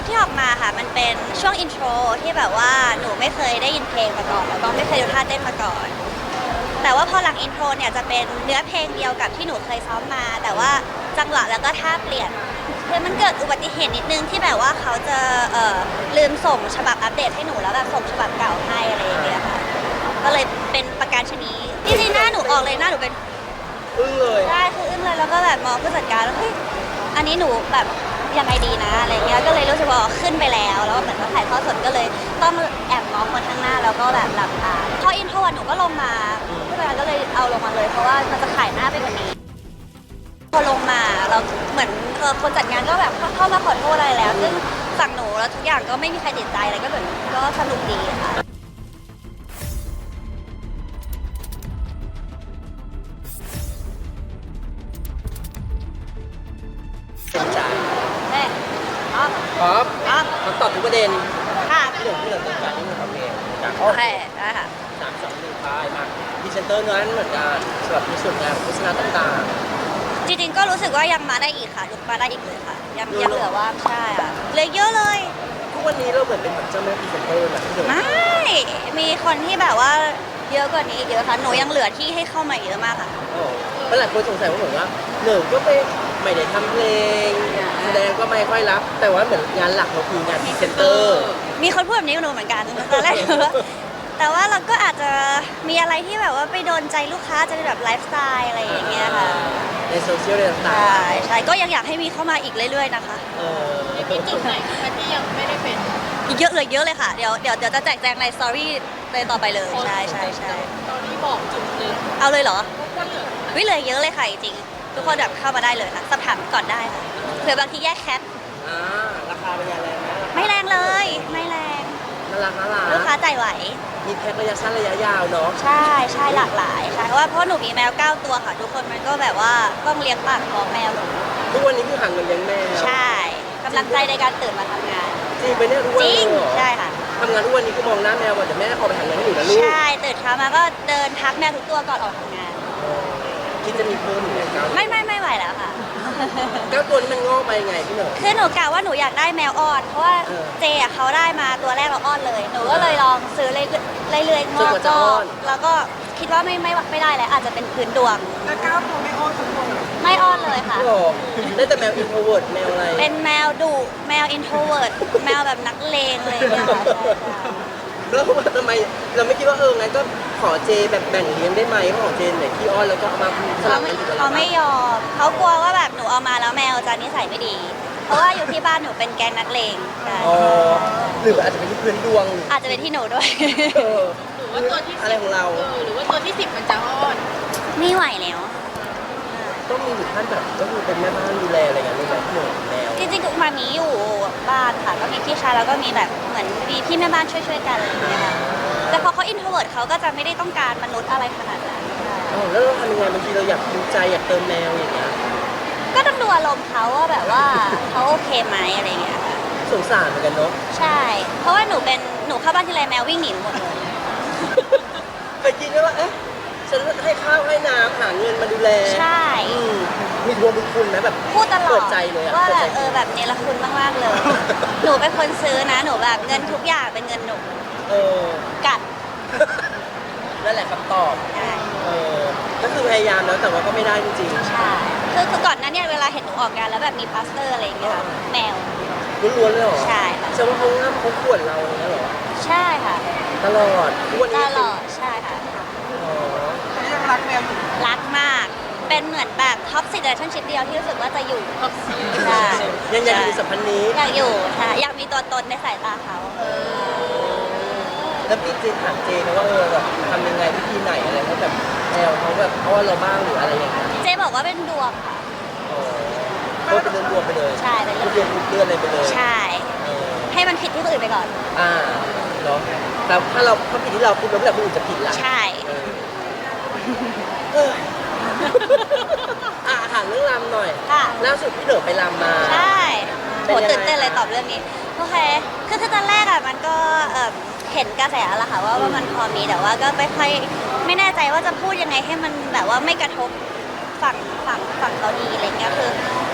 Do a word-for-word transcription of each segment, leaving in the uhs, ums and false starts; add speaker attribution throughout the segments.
Speaker 1: ที่ออกมาค่ะมันเป็นช่วงอินโทรที่แบบว่าหนูไม่เคยได้ยินเพลงมาก่อนแล้วก็ไม่เคยดูท่าเต้นมาก่อน แต่ว่าพอหลังอินโทรเนี่ยจะเป็นเนื้อเพลงเดียวกับที่หนูเคยซ้อมมา แต่ว่าจังหวะแล้วก็ท่าเปลี่ยนคือมันเกิดอุบัติเหตุนิดนึงที่แบบว่าเขาจะเอ่อลืมส่งฉบับอัปเดตให้หนูแล้วแบบส่งฉบับเก่าให้อะไรอย่างเงี้ยค่ะก็เลยเป็นประการชนีจริงๆหน้าหนูออกเลยหน้าหนูเป็น
Speaker 2: อึ้งเลย
Speaker 1: ใช่คืออึ้งเลยแล้วก็แบบมองผู้จัดการแล้วเฮ้ยอันนี้หนูแบบยังไงดีนะอะไรเงี้ยก็เลยรู้สึกว่าขึ้นไปแล้วแล้วเหมือนว่าถ่ายทอดสดก็เลยต้องแอบมองคนข้างหน้าแล้วก็แบบหลับตาพออินโทรหนูก็ลงมาผู้จัดการก็เลยเอาลงมาเลยเพราะว่ามันจะขายหน้าไปกว่านี้พอลงมาเราเหมือนเออคนจัดงานก็แบบเข้ามาขอโทษอะไรแล้วซึ่งฝั่งหนูแล้วทุกอย่างก็ไม่มีใครติดใจอะไรก็เหมือนก็สนุกดีค่ะ
Speaker 2: สนใจ
Speaker 1: แม่อ๋อ
Speaker 2: ครับ
Speaker 1: อ๋อ
Speaker 2: คำตอบทุกประเด็น
Speaker 1: ค่ะ
Speaker 2: ที่เหลือที่เหลือสนใจนี่คือความเพลงจาก
Speaker 1: โอเคได้ค่ะ
Speaker 2: สามสองหนึ่งป้ายมาพรีเซนเตอร์นั้นเหมือนกันสำหรับในส่วนงานของโฆษณาต่าง
Speaker 1: จริงๆก็รู้สึกว่ายังมาได้อีกค่ะยังมาได้อีกเลยค่ะ ยัง
Speaker 2: เยอะ
Speaker 1: ยังเหลือว่างใช่ค่ะเหลือเยอะเลย
Speaker 2: ๆทุกวันนี้เราเหมือนเป็นแบบเจ้าแม่พรีเซนเตอร์แบบที่เหลือ
Speaker 1: ไม่มีคนที่แบบว่าเยอะกว่านี้อีกเยอะค่ะหนูยังเหลือที่ให้เข้ามาเยอะมากค่ะ
Speaker 2: โอ้แล้วหลายคนสงสัยว่าเหมือนว่าหนึ่งก็ไม่ไม่ได้ทำเพลงแสดงก็ไม่ค่อยรับ แต่ว่าเหมือนงานหลักเราคืองานพรีเซนเตอร์
Speaker 1: มีคนพูดแบบนี้กับหนูเหมือนกันตอนแรกหนูว่าแต่ว่าเราก็อาจจะมีอะไรที่แบบว่าไปโดนใจลูกค้าจะเป็นแบบไลฟ์สไตล์อะไรอย่างเงี้ยค่ะ
Speaker 2: ในโซเชียลอะไรต่าง
Speaker 1: ใช่ใช่ก็ยังอยากให้มีเข้ามาอีกเรื่อยๆนะคะ
Speaker 2: ๆเออ
Speaker 3: มีจุดไหนคะที่ยังไม่ได้เป็น
Speaker 1: อีกเยอะเลยเยอะเลยค่ะเดี๋ยวเดี๋ยวเดี๋ยวจะแจกแจงในสตอรี่เลยต่อไปเลยใช่ใช่ใช่
Speaker 3: ตอนนี้บอกจุดหนึ่ง
Speaker 1: เอาเลยเหรอ
Speaker 3: ก็เหลือ
Speaker 1: วิเลยเยอะเลยค่ะจริงๆทุกคนแบบเข้ามาได้เลยค่ะสอบถามก่อนได้ค่ะเผื่อบางทีแยกแคท
Speaker 2: อ่าราคาเป็นยังไงนะ
Speaker 1: ไม่แรงเลย ไม่แรง
Speaker 2: น่ารักน่ารั
Speaker 1: ลูกค้าก ใจไหว
Speaker 2: มีแพ็คระยะสั้นระยะยาวเนาะ
Speaker 1: ใช่ใช่หลากหลายใช่เพราะว่าเพราะหนูมีแมวเก้าตัวค่ะ ทุกคนมันก็แบบว่าต้องเลี้ยงปากของแมวหนู
Speaker 2: ทุกวันนี้คือหาเงินเลี้ยงแมว
Speaker 1: ใช่กำลังใจในการตื่นมาทำงาน
Speaker 2: จริงไปเนี่ยทุกวัน
Speaker 1: จริ
Speaker 2: นี้
Speaker 1: ง
Speaker 2: เหรอ
Speaker 1: ใช่ค่ะ
Speaker 2: ทำงานทุกวันนี้ก็มองหน้าแมวก่อนแต่แม่ออกไปหาเงินให้หนูนะลูก
Speaker 1: ใช่ตื่นเช้ามาก็เดินทักแมวทุกตัวก่อนออกทำงาน
Speaker 2: เออคิดจะมีเพิ่มอีกไหมเก้า
Speaker 1: ไม่ไม่ไม่ไหวแล้วค่ะ
Speaker 2: เก้าตัวนี้มันงอกมายังไงพี่เหนอ
Speaker 1: คือหนูกะว่าหนูอยากได้แมวอ้อน เพราะว่า
Speaker 2: เออ
Speaker 1: เจอะเขาได้มาตัวแรกเราอ้อนเลย หนูก็เลยลองซื้อเรื่อยๆเรื่อยๆง
Speaker 2: จน
Speaker 1: อก
Speaker 2: กว่าจะ
Speaker 1: ก็
Speaker 2: อ้อน
Speaker 1: แล้วก็คิดว่าไม่ไม่ไม่ได้แล้วอาจจะเป็นพื้นดวง
Speaker 3: แล้วก้าวตัวไม่อ้อนทุกคน
Speaker 1: ไม่อ้อนเลยค่ะ
Speaker 2: พี่บอกได้แต่แมวอินโทรเวิร์ดแมวอะไร
Speaker 1: เป็นแมวดุแมวอินโทรเวิร์ดแมวแบบนักเลงอะไรอย่างเลยค่ะใช่ใช่
Speaker 2: แล้วทำไมเราไม่คิดว่าเอองั้นก็ขอเจแบบแบ่งเลี้ยงได้ไหมเพราะของเจนไหนขี้อ้อนแล้วก็เอามาส
Speaker 1: เขา
Speaker 2: ลับ
Speaker 1: ไม่
Speaker 2: กันอยู่กับ
Speaker 1: เขา
Speaker 2: เรา
Speaker 1: ไม่ยอมเขากลัวว่าแบบหนูเอามาแล้วแมวจะนิสัยไม่ดี เพราะว่าอยู่ที่บ้านหนูเป็นแก๊งนักเลงใช่
Speaker 2: อ๋อหรืออาจจะเป็นที่พื้นดวง
Speaker 1: อาจจะเป็นที่หนูด้วย
Speaker 2: เออ
Speaker 3: หรือว่าตัวที่
Speaker 2: อะไรของเรา
Speaker 3: เออหรือว่าตัวที่สิบมันจะอ้อน
Speaker 1: ไม่ไหวแล้ว
Speaker 2: ต้องมีถึงขั้นแบบก็คือเป็นแม่บ้านดูแลอะไรอย่างเงี้ยเลยแบบพี่เหนอแมว
Speaker 1: จริงๆคือมามีอยู่บ้านค่ะก็มีพี่ชายแล้วก็มีแบบเหมือนมีพี่แม่บ้านช่วยๆกันอะไรอย่างเงี้ยค่ะแต่พอเขาอินโทรเวิร์ดเขาก็จะไม่ได้ต้องการมนุษย์อะไรขนาดนั้นใช่
Speaker 2: อ๋อแล้วเราทำยังไงบางทีเราอยากดูใจอยากเติมแมวอย่างเงี้ย
Speaker 1: ก็ต้องดูอารมณ์เขาว่าแบบว่าเขาโอเคไหมอะไรอย่างเงี้ยค่ะ
Speaker 2: สงสารเหมือนกันเนาะ
Speaker 1: ใช่ เพราะว่าหนูเป็นหนูเข้าบ้านทีไรแมววิ่งหนีหนูหมดเลย
Speaker 2: เคยคิดไหมว่าเอ๊ะฉันให้ข้าวให้น้ำหาเงินมาดูแล
Speaker 1: ใช่
Speaker 2: อืมมีทวงบุญคุณไหมแบบ
Speaker 1: พูดตลอ
Speaker 2: เปิ
Speaker 1: ด
Speaker 2: ดใจเลยอะ
Speaker 1: ว่า
Speaker 2: เปิด
Speaker 1: แบ
Speaker 2: ใจ
Speaker 1: บเออแบบเนรคุณมากๆเลย หนูเป็นคนซื้อนะหนูแบบเงินทุกอย่างเป็นเงินหนู
Speaker 2: เออ
Speaker 1: กัด
Speaker 2: นั่นแหละคำตอบ
Speaker 1: ใช่
Speaker 2: เออก็คือพยายามแล้วแต่ว่าก็ไม่ได้จริง
Speaker 1: ใช่คือคือก่อนหนั้นเนี่ยเวลาเห็นหนูออกงานแล้วแบบมีพลาสเตอร์อะไรอย่างเงี้ยค่ะแมว
Speaker 2: ๆล้วนๆเลยเหรอ
Speaker 1: ใช่ค่ะ
Speaker 2: แสดงว่าเขาง่ามเขาขวนเราอย่างเงี้ยเหรอ
Speaker 1: ใช่ค่ะ
Speaker 2: ตลอดทุกวัน
Speaker 1: ต
Speaker 2: นี้
Speaker 1: ลอดใช่ค่ะ
Speaker 2: อ๋อ
Speaker 3: ยังรักแมวอยู่
Speaker 1: รักมาก เป็นเหมือนแบบท็อปสิเดชันชิพเดียวที่รู้สึกว่าจะอยู่
Speaker 3: ท็อปซี
Speaker 1: ใช่
Speaker 2: ยังอยากอยู่สัมพันธ์นี้
Speaker 1: อยากอยู่ใช่อยากมีตัวตนในสายตาเขา
Speaker 2: แล้วพี่เจนถามเจนะว่าเออแบบทำยังไงวิธีไหนอะไรให้แบบแมวเขาแบบอ้อนเราบ้างหรืออะไรอย่างเงี้ย
Speaker 1: เจ๊บอกว่าเป็นดวงค่ะ
Speaker 2: อ๋อก็เป็นเดือนรวมไปเลย
Speaker 1: ใช่เป็นเรื่อง
Speaker 2: เดือนทุกเดือนเลยไปเลย
Speaker 1: ใช่
Speaker 2: เออ
Speaker 1: ให้มันผิดที่คนอื่นไปก่อน
Speaker 2: อ่าเนาะแต่ถ้าเราถ้าผิดที่เราคุณแล้วแบบคนอื่นจะผิดล่ะ
Speaker 1: ใช่
Speaker 2: เออเอออ่ะถามเรื่องรำหน่อย
Speaker 1: ค่ะ
Speaker 2: ล่าสุดพี่เหนือไปรำมา
Speaker 1: ใช่โห
Speaker 2: เป็นยังไง
Speaker 1: ตื่นเต้นเลยตอบเรื่องนี้ โอเค คือคือตอนแรกอ่ะมันก็เอ่อเห็นกระแสแล้วค่ะว่าว่ามันพอมีแต่ว่าก็ไม่ค่อยไม่แน่ใจว่าจะพูดยังไงให้มันแบบว่าไม่กระทบฝั่งฝั่งฝั่งเขาดีอะไรเงี้ยคือ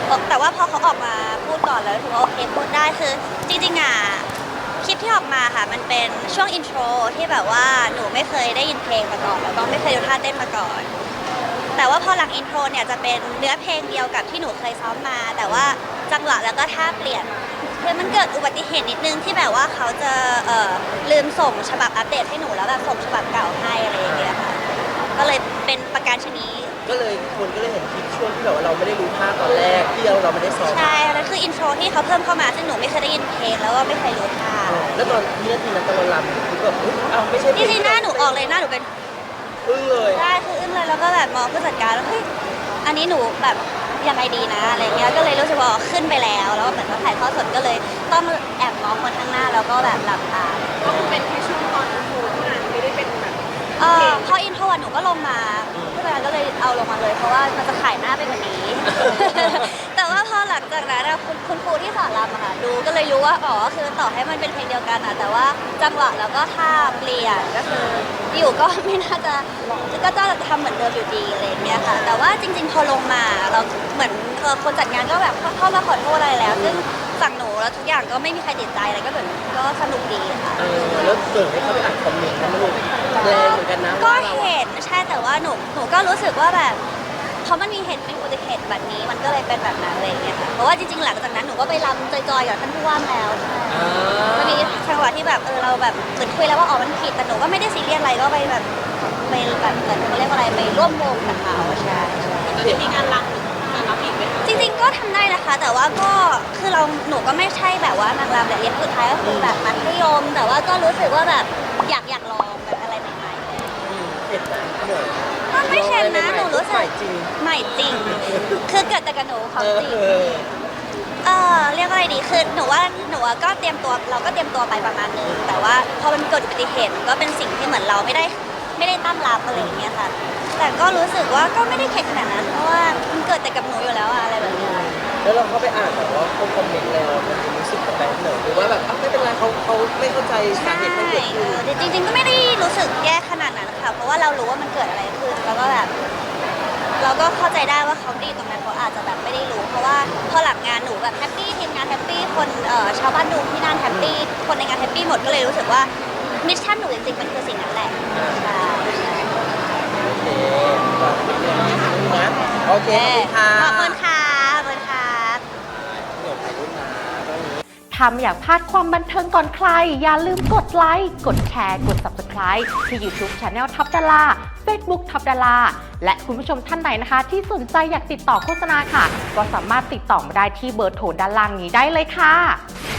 Speaker 1: แต่ว่าพอเขาออกมาพูดก่อนแล้วถือว่าโอเคพูดได้คือจริงๆอ่ะคลิปที่ออกมาค่ะมันเป็นช่วงอินโทรที่แบบว่าหนูไม่เคยได้ยินเพลงมาก่อนแล้วก็ไม่เคยดูท่าเต้นมาก่อนแต่ว่าพอหลังอินโทรเนี่ยจะเป็นเนื้อเพลงเดียวกับที่หนูเคยซ้อมมา แต่ว่าจังหวะแล้วก็ท่าเปลี่ยนคือมันเกิดอุบัติเหตุนิดนึงที่แบบว่าเขาจะเอ่อลืมส่งฉบับอัปเดตให้หนูแล้วแบบส่งฉบับเก่าให้อะไรอย่างเงี้ยค่ะก็เลยเป็นประการชนี
Speaker 2: ก็เลยคนก็เลยเห็นคลิปช่วงที่แบบว่าเราไม่ได้รู้ท่าตอนแรกที่เราเราไม่ได้ซ้อม
Speaker 1: ใช่แล้วคืออินโทรที่เขาเพิ่มเข้ามาซึ่งหนูไม่เคยได้ยินเพลงแล้วก็ไม่เคยรู้ท่า
Speaker 2: แล้วตอนวินาทีนั้นตอนเราลำคือแบบอุ๊ยอ้าวไม่ใช่เพล
Speaker 1: จริงๆหน้าหนูออกเลยหน้าหนูเป็น
Speaker 2: อึ้งเลย
Speaker 1: ใช่คืออึ้งเลยแล้วก็แบบมองผู้จัดการแล้วเฮ้ยอันนี้หนูแบบยังไงดีนะอะไรเงี้ยก็เลยรู้สึกว่าขึ้นไปแล้วแล้วเหมือนว่าถ่ายทอดสดก็เลยต้องแอบมองคนข้างหน้าแล้วก็แบบหลับตา
Speaker 3: ก็คือเป็นแค่ช่วงตอนอินโทรเท่านั้นไม่ได้เป็นแบบ
Speaker 1: เออพออินโทรหนูก็ลงมาผู้จัดการก็เลยเอาลงมาเลยเพราะว่ามันจะขายหน้าไปกว่านี้ แต่ว่าพอหลังจากนั้นอะคุณคุณครูที่สอนรำอะค่ะดูก็เลยรู้ว่าอ๋อคือต่อให้มันเป็นเพลงเดียวกันอะแต่ว่าจังหวะแล้วก็ท่าเปลี่ยนก็คืออยู่ก็ไม่น่าจะก็จะทำเหมือนเดิมอยู่ดีอะไรอย่างเงี้ยค่ะแต่ว่าจริง ๆ พอลงมาเราเหมือนเออคนจัดงานก็แบบเข้ามาขอโทษอะไรแล้ว ซึ่งฝั่งหนูแล้วทุกอย่างก็ไม่มีใครติดใจอะไรก็เหมือนก็สนุกดีค่ะ
Speaker 2: เออแล้วเกิดให้เขาไปอ่านคอมเมนต์นะมันลูกแรงเหมือนกันนะ
Speaker 1: ก็
Speaker 2: ว่าเรา
Speaker 1: เห็นใช่แต่ว่าหนูหนูก็รู้สึกว่าแบบเพราะมันมีเหตุเป็นอุบัติเหตุแบบนี้มันก็เลยเป็นแบบนั้นอะไรอย่างเงี้ยค่ะเพราะว่าจริงๆหลังจากนั้นหนูก็ไปรำจอยๆกับท่านผู้ว่าแล้วใช่
Speaker 2: อ่า
Speaker 1: มันมีจังหวะที่แบบเออเราแบบเหมือนคุยแล้วว่าอ๋อมันผิดแต่หนูก็ไม่ได้ซีเรียสอะไรก็ไปแบบไปแบบเหมือนเขาเรียกว่าอะไรไปร่วมวงกับเขาใช่ใช่
Speaker 3: จะมีงานรำงานรับอีกไหม
Speaker 1: จริงๆก็ทำได้นะคะ แต่ว่าก็คือเราหนูก็ไม่ใช่แบบว่านางรำแต่เรียนสุดท้ายก็คือแบบมัธยม แต่ว่าก็รู้สึกว่าแบบอยากอยากลองแบบอะไรใหม่ๆเลย
Speaker 2: อืมเห็นไหมเหนื่อย
Speaker 1: มันไม่เช่นนะหนูรู้สึ
Speaker 2: ให
Speaker 1: ก
Speaker 2: ม่จริง
Speaker 1: ใหม่จริง คือเกิดแต่กับหนูความจริง
Speaker 2: เออ
Speaker 1: เออเรียกว่าอะไรดี คือหนูว่าหนูอะก็เตรียมตัวเราก็เตรียมตัวไปประมาณนึง แต่ว่าพอมันเกิดอุบัติเหตุมันก็เป็นสิ่งที่เหมือนเราไม่ได้ไม่ได้ตั้งรับอะไรอย่างเงี้ยค่ะ แต่ก็รู้สึกว่าก็ไม่ได้เข็ดขนาดนั้น เพราะว่ามันเกิดแต่กับหนูอยู่แล้วอะอะไรแบบเนี้ย
Speaker 2: แล้วเราเข้าไปอ่านแบบว่าคนคอมเมนต์แล้วมันรู้สึกแบบเหนื่อยหรือว่าแบบอ้าวไม่เป็นไรเขาเขาไม่เข้าใจสา
Speaker 1: ใช่
Speaker 2: เหตุที่เกิด
Speaker 1: เอ
Speaker 2: ขึ้น
Speaker 1: อจริงๆก็ไม่ได้รู้สึกแย่ขนาดนั้นค่ะ เพราะว่าเรารู้ว่ามันเกิดอะไรขึ้น แล้วก็แบบ เราก็เข้าใจได้ว่าเขาดีตรงนั้นเขาอาจจะแบบไม่ได้รู้ เพราะว่าพอหลังงานหนูแบบแฮปปี้ทีมงานแฮปปี้คนเอ่อชาวบ้านดูที่นั่นแฮปปี้คนในงานแฮปปี้หมดก็เลยรู้สึกว่ามิชชั่นหนูจริงๆมันคือสิ่งนั้นแหละใช่
Speaker 2: โอเคก็เป็นเรื่องนี้นะโอเคขอบคุณค่ะ
Speaker 1: ขอบคุณค่ะขอบคุณค่ะ
Speaker 2: เดี๋ยวถ่ายรูปนะตอนนี้
Speaker 4: ถ้าไม่อยากพลาดความบันเทิงก่อนใคร อย่าลืมกดไลค์ กดแชร์ กด ซับสไครบ์ ที่ ยูทูบ Channel ท็อปดารา เฟซบุ๊ก ท็อปดารา และคุณผู้ชมท่านไหนนะคะ ที่สนใจอยากติดต่อโฆษณาค่ะ ก็สามารถติดต่อมาได้ที่เบอร์โทรด้านล่างนี้ได้เลยค่ะ